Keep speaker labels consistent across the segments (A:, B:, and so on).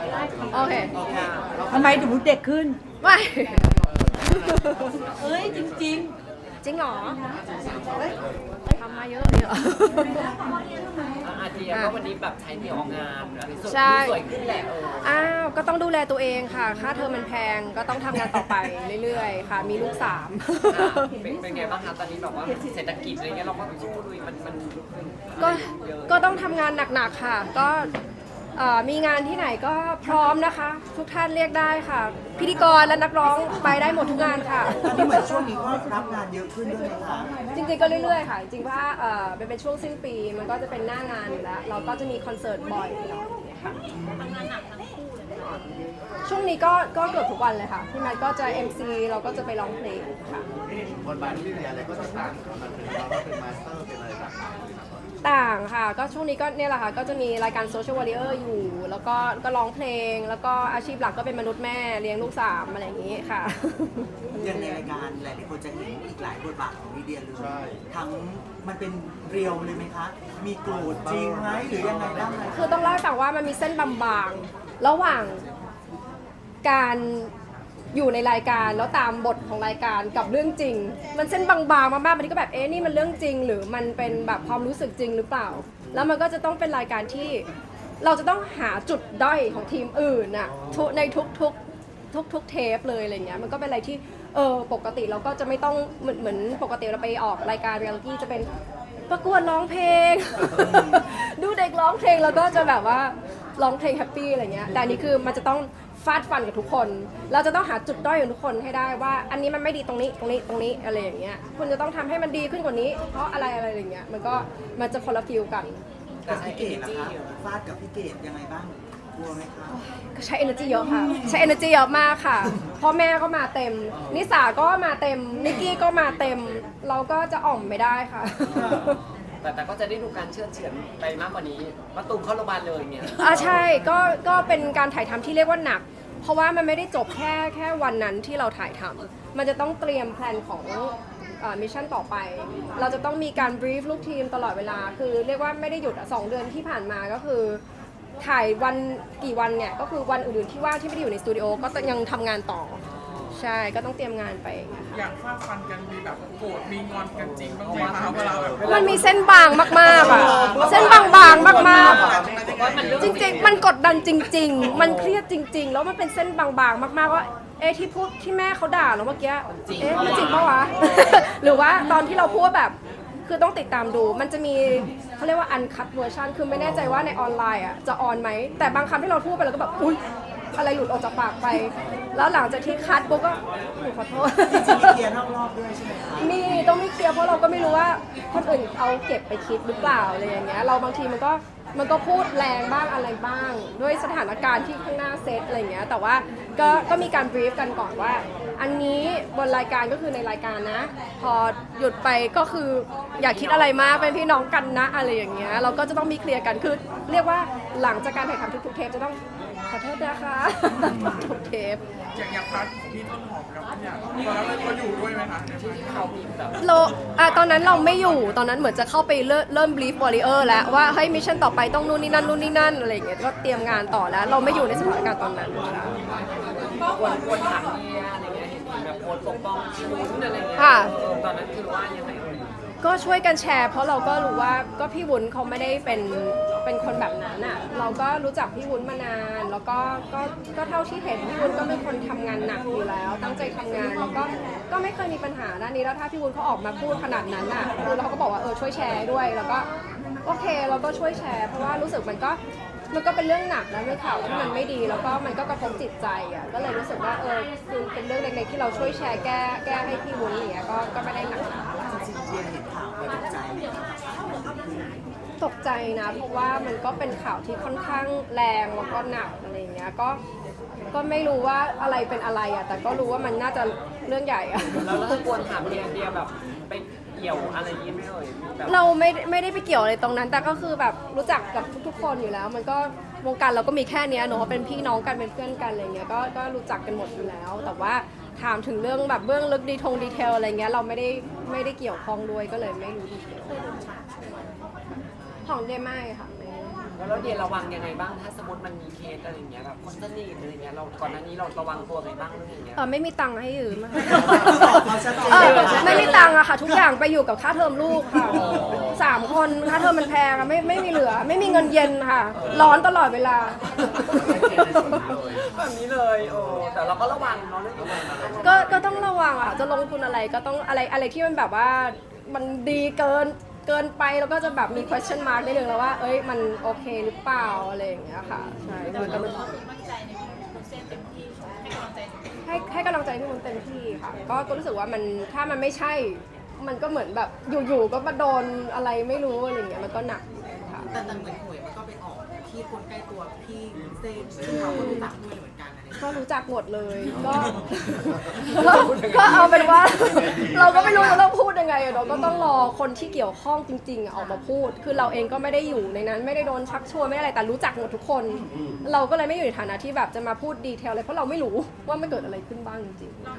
A: โอเค
B: ทำไมถึงเด็กขึ้น
A: ไม่
B: เอ้ยจริง
A: จริงเหรอทำมาเยอะเลยเหรอ
C: อาเดียก็วันนี้แบบใช้เดี่ยวออกงานส
A: ใช่
C: วยขึ้นแหละ
A: อ้าวก็ต้องดูแลตัวเองค่ะค่าเทอมมันแพงก็ต้องทำงานต่อไปเรื่อยๆค่ะมีลูก3
C: เป็นไงบ้างคะตอนนี้แบบว่าเศรษฐกิจอะไรเงี้ยเราก็สู้ลุยมัน
A: ก็ต้องทำงานหนักๆค่ะก็มีงานที่ไหนก็พร้อมนะคะ ทุกท่านเรียกได้ค่ะ พิธีกรและนักร้องไปได้หมดทุกงานค่ะ
D: ที่เหมือนช่วงนี้ก็รับงานเยอะขึ้นด้วยไหมคะ
A: จริงๆก็เรื่อยๆค่ะจริงๆว่าเป็นช่วงสิ้นปีมันก็จะเป็นหน้างานอยู่แล้วเราก็จะมีคอนเสิร์ตบ่อยเนาะค่ะช่วงนี้ก็เกือบทุกวันเลยค่ะพี่แมทก็จะ MC เราก็จะไปร้องเพลงค่ะ
E: บทบาทที่เรียนอะไรก็จะต่างกันมันเป็นเราก็เป็นมาสเตอร์เป็นอะไรต่างๆเลยนะตอนนี้
A: ต่างค่ะก็ช่วงนี้ก็เนี่ยแหละค่ะก็จะมีรายการ Social Warrior อยู่ แล้วก็ร้องเพลง แล้วก็อาชีพหลักก็เป็นมนุษย์แม่เลี้ยงลูก3อะไรอย่างนี้ค่ะ
D: อย่างในรายการหลายๆคนจะเห็นอีกหลายบทบาทของลิเดียเลยทั้งมันเป็นเรียวเลยไหมคะ มีโกรธจริงไหมหรือยังไงบ้างไหม
A: คือต้องเล่าให้ฟังว่ามันมีเส้นบางๆระหว่างการอยู่ในรายการแล้วตามบทของรายการกับเรื่องจริง มันเส้นบางๆมากๆบางทีก็แบบนี่มันเรื่องจริง หรือมันเป็นแบบความรู้สึกจริงหรือเปล่า แล้วมันก็จะต้องเป็นรายการที่เราจะต้องหาจุดด้อยของทีมอื่นน่ะในทุกเทปเลยอะไรเงี้ยมันก็เป็นอะไรที่ปกติเราก็จะไม่ต้องเหมือนปกติเราไปออกรายการเรียลลิตี้จะเป็นประกวดร้องเพลง ดูเด็กร้องเพลงแล้วก็จะแบบว่าร้องเพลงแฮปปี้อะไรเงี้ยแต่อันนี้คือมันจะต้องฟาดฟันกับทุกคนเราจะต้องหาจุดด้อยของทุกคนให้ได้ว่าอันนี้มันไม่ดีตรงนี้อะไรอย่างเงี้ยคุณจะต้องทำให้มันดีขึ้นกว่านี้เพราะอะไรอย่างเงี้ยมันจะคนละฟิลกัน
D: กับพี่เกดล่ะคะฟาดกับพี่เกดยังไงบ้างกลัวไหมคะ
A: ก็ใช้ energy เยอะค่ะใช้ energy เยอะมากค่ะพ่อแม่ก็มาเต็มนิสาก็มาเต็มนิกกี้ก็มาเต็มเราก็จะอ่อมไม่ได้ค่ะ
C: แต่ก็จะได้ดูการเชื่อเฉือนไปมากกว่านี้มาตูมเข้าโรงพยาบาลเลยเนี่ย
A: ใช่ก็เป็นการถ่ายทำที่เรียกว่าหนัก เพราะว่ามันไม่ได้จบแค่วันนั้นที่เราถ่ายทำมันจะต้องเตรียมแผนของมิชชั่นต่อไป เราจะต้องมีการบรีฟลูกทีมตลอดเวลาคือเรียกว่าไม่ได้หยุด2 เดือนที่ผ่านมาก็คือถ่ายวันกี่วันเนี่ยก็คือวันอื่นๆที่ว่างที่ไม่ได้อยู่ในสตูดิโอก็ยังทำงานต่อใช่ก็ต้องเตรียมงานไป
F: อยากฟาดฟันกันมีแบบโกรธมีงอนกันจริงบ้างไหมคะเวลาแบบ
A: มันมีเส้นบางมากๆอ่ะเส้นบางๆมากๆจริงๆมันกดดันจริง ๆ มันเครียดจริง ๆ แล้วมันเป็นเส้นบางๆมากๆว่าที่พูดที่แม่เขาด่าเราเมื่อกี้มันจริงปะวะ หรือว่าตอนที่เราพูดแบบคือต้องติดตามดูมันจะมีเขาเรียกว่า uncut version คือไม่แน่ใจว่าในออนไลน์อ่ะจะออนไหมแต่บางคำที่เราพูดไปเราก็แบบอุ๊ยอะไรหลุดออกจากปากไป แล้วหลังจากที่คัดปุ๊บก็หนูขอโทษ
D: จริงๆมีเคลียร์นอกรอบด้วยใช่ไหมคะ
A: ต้องไม่เคลียร์เพราะเราก็ไม่รู้ว่าคนอื่นเขาเก็บไปคิดหรือเปล่าอะไรอย่างเงี้ยเราบางทีมันก็พูดแรงบ้างอะไรบ้าง ด้วยสถานการณ์ที่ข้างหน้าเซตอะไรเงี้ยแต่ว่าก็มีการบรีฟกันก่อนว่า อันนี้บนรายการก็คือในรายการนะ พอหยุดไปก็คืออย่าคิดอะไรมากเป็นพี่น้องกันนะอะไรอย่างเงี้ยเราก็จะต้องมีเคลียร์กันคือเรียกว่าหลังจากการถ่ายทำทุกๆเทปจะต้องขอโทษนะคะ ทุกเทป
F: อย่างพาร์ทของพี่ต้นหอมกับพี่อยากตอนนั้นเราอยู่ด้วยไหมคะในพาร์ทที่เขามีแบบ
A: ตอนนั้นเราไม่อยู่ตอนนั้นเหมือนจะเข้าไปเริ่มบลีฟวอริเออร์แล้วว่าเฮ้ยมิชชั่นต่อไปต้องนู่นนี่นั่นอะไรอย่างเงี้ยก็เตรียมงานต่อแล้ว เราไม่อยู่ในสถานการณ์ตอนนั้นค่ะ
C: ควรถามเนี่ยอะไรเงี้ยเห็นแบบโพสปกป้องชิวุ้นอะไรเงี้ยตอนนั้นคือว่ายังไง
A: ก็ช่วยกันแชร์เพราะเราก็รู้ว่าก็พี่วุ้นเขาไม่ได้เป็นคนแบบนั้นอ่ะเราก็รู้จักพี่วุ้นมานานแล้วก็เท่าที่เห็นพี่วุ้นก็เป็นคนทำงานหนักอยู่แล้ว ตั้งใจทำงานแล้วก็ไม่เคยมีปัญหาด้านนี้แล้วถ้าพี่วุ้นเขาออกมาพูดขนาดนั้นอ่ะคือเราก็บอกว่าช่วยแชร์ด้วยแล้วก็โอเคเราก็ช่วยแชร์เพราะว่ารู้สึกมันก็เป็นเรื่องหนักนะเป็นข่าวที่มันไม่ดีแล้วก็มันก็กระทบจิตใจอ่ะก็เลยรู้สึกว่าคือเป็นเรื่องเล็กๆที่เราช่วยแชร์แก้ให้พี่วุ้นอย่างเงี้ยก็ไม่ได้หนักหนา
D: จริงๆเดียเห็นข่าวไปตกใจไหมคะ
A: ตกใจนะเพราะว่ามันก็เป็นข่าวที่ค่อนข้างแรงแล้วก็หนักอะไรอย่างเงี้ยก็ไม่รู้ว่าอะไรเป็นอะไรอ่ะแต่ก็รู้ว่ามันน่าจะเรื่องใหญ่อ่ะ
C: แล้วเราควรถามเดียแบบไปเกี่ยวอะไรยิ้มไม่เลยแบบ
A: เราไม่ได้ไปเกี่ยวอะไรตรงนั้น แต่ก็คือแบบรู้จักกับทุกๆคนอยู่แล้ว มันก็วงการเราก็มีแค่เนี้ยเนอะเป็นพี่น้องกันเป็นเพื่อนกันอะไรเงี้ยก็รู้จักกันหมดอยู่แล้ว แต่ว่าถามถึงเรื่องแบบเบื้องลึกดีเทลอะไรเงี้ยเราไม่ได้เกี่ยวข้องด้วยก็เลยไม่รู้ดีเทลของเดไม่ค่ะไม่
C: แล้วเดียระวังยังไงบ้างถ้าสมมติมันมีเคสอะไรอย่างเงี้ยแบบคนสนิทอะไรอย่างเงี้ยเราก่อนหน้านี้เราระวังตัวไงบ้างเรื่องอย่างเงี้ย
A: ไม่มีตังค์ให้ยืมอะ
D: เขาชัดเจน
A: ไม่มีตังค์อะค่ะ ทุกอย่างไปอยู่กับค่าเทอมลูกค่ะ3 คนค่าเทอมมันแพงอะไม่มีเหลือ ไม่มีเงินเย็นค่ะ ร้อนตลอดเวลา
C: แบบนี้เลยโอ้แต่เราก็ระวังเนาะเรื่องนี้
A: ก็ต้องระวังอะจะลงทุนอะไรก็ต้องอะไรที่มันแบบว่ามันดีเกินไปแล้วก็จะแบบมี question mark นิดนึงแล้วว่าเอ้ยมันโอเคหรือเปล่าอะไรอย่างเงี้ยค่ะใช่คือแต่มันให้กำลังใจพี่มุนเต็มที่ค่ะก็รู้สึกว่ามันถ้ามันไม่ใช่มันก็เหมือนแบบอยู่ๆก็มาโดนอะไรไม่รู้อะไรอย่างเงี้ยมันก็หนักค่ะ
G: แต่เหมือนหวยมันก็ไปออกที่คนใกล้ตัวพี่เซนซึ่งเขาก็รู้จักด้วยเหมือนกันอะไรอย่างเงี้ย
A: ก็รู้จักหมดเลยก็เอาเป็นว่า เราก็ไม่รู้จะต้องพูดยังไงอะเนาะก็ต้องรอคนที่เกี่ยวข้องจริงๆอะออกมาพูด คือเราเองก็ไม่ได้อยู่ในนั้นไม่ได้โดนชักชวนไม่ได้อะไรแต่รู้จักหมดทุกคน เราก็เลยไม่อยู่ในฐานะที่แบบจะมาพูดดีเทลเลยเพราะเราไม่รู้ว่ามันเกิดอะไรขึ้นบ้างจริงๆ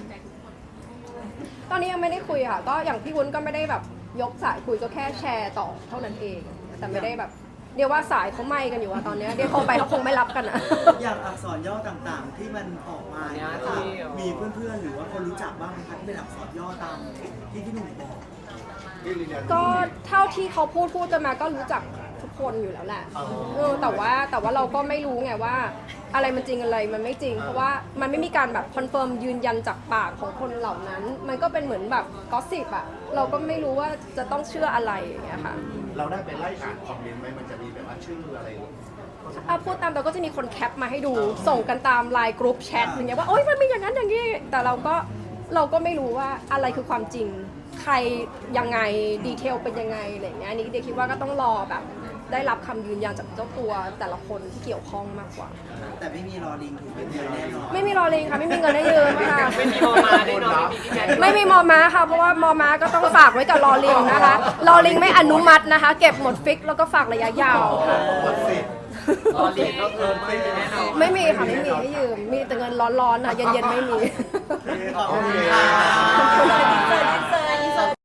A: ตอนนี้ยังไม่ได้คุยค่ะก็อย่างพี่วุ้นก็ไม่ได้แบบยกสายคุยก็แค่แชร์ต่อเท่านั้นเอง แต่ไม่ได้แบบเดี๋ยวว่าสายเขาไหม้กันอยู่อะตอนเนี้ยเดี๋ยวโทรไปเขาคงไม่รับกันอะ
D: อย่างอักษรย่อต่างๆ ที่มันออกมาเนี่ยค่ะมีเพื่อนๆหรือว่าคนรู้จักบ้างไหมคะที่เป็นอักษรย่อตามที่พี่หนุ่มบอก
A: ก็เท่าที่เขาพูดกันมาก็รู้จักทุกคนอยู่แล้วแหละแต่ว่าเราก็ไม่รู้ไงว่าอะไรมันจริงอะไรมันไม่จริง เพราะว่ามันไม่มีการแบบคอนเฟิร์มยืนยันจากปากของคนเหล่านั้น มันก็เป็นเหมือนแบบกอสซิปอะเราก็ไม่รู้ว่าจะต้องเชื่ออะไรอย่างเงี้ยค่ะ
E: เราได้ไปไล่อ่านคอมเมนต์ไหมมันจะมีแบบว่าชื่ออะไร
A: พูดตามเราก็จะมีคนแคปมาให้ดูส่งกันตามไลน์กรุ๊ปแชทอย่างเงี้ยว่าโอ๊ยมันมีอย่างนั้นอย่างนี้แต่เราก็ไม่รู้ว่าอะไรคือความจริงใครยังไงดีเทลเป็นยังไงอะไรอย่างเงี้ยอันนี้เด็กคิดว่าก็ต้องรอแบบได้รับคำยืนยันจากเจ้าตัวแต่ละคนที่เกี่ยวข้องมากกว่า
D: แต่ไม่มีรอลิงถูกเป็นเดียวแน่นอน
A: ไม่มีรอเลงค่ะไม่มีเงินให้ยืมค่ะ
C: ไม่มีมอมาแน่นอนไม่มีพี่แก
A: ไม่มีมอม้าค่ะเพราะว่ามอม้าก็ต้องฝากไว้กับรอลิงนะคะรอลิงไม่อนุมัตินะคะ เก็บหมดฟิกแล้วก็ฝากระยะยาวค่ะ
C: รอเรียนก็คือไม่มีแน่นอน
A: ไม่มีค่ะไม่มีให้ยืมมีแต่เงินร้อนๆค่ะเย็นๆไม่มี
D: ขอบคุณค่ะ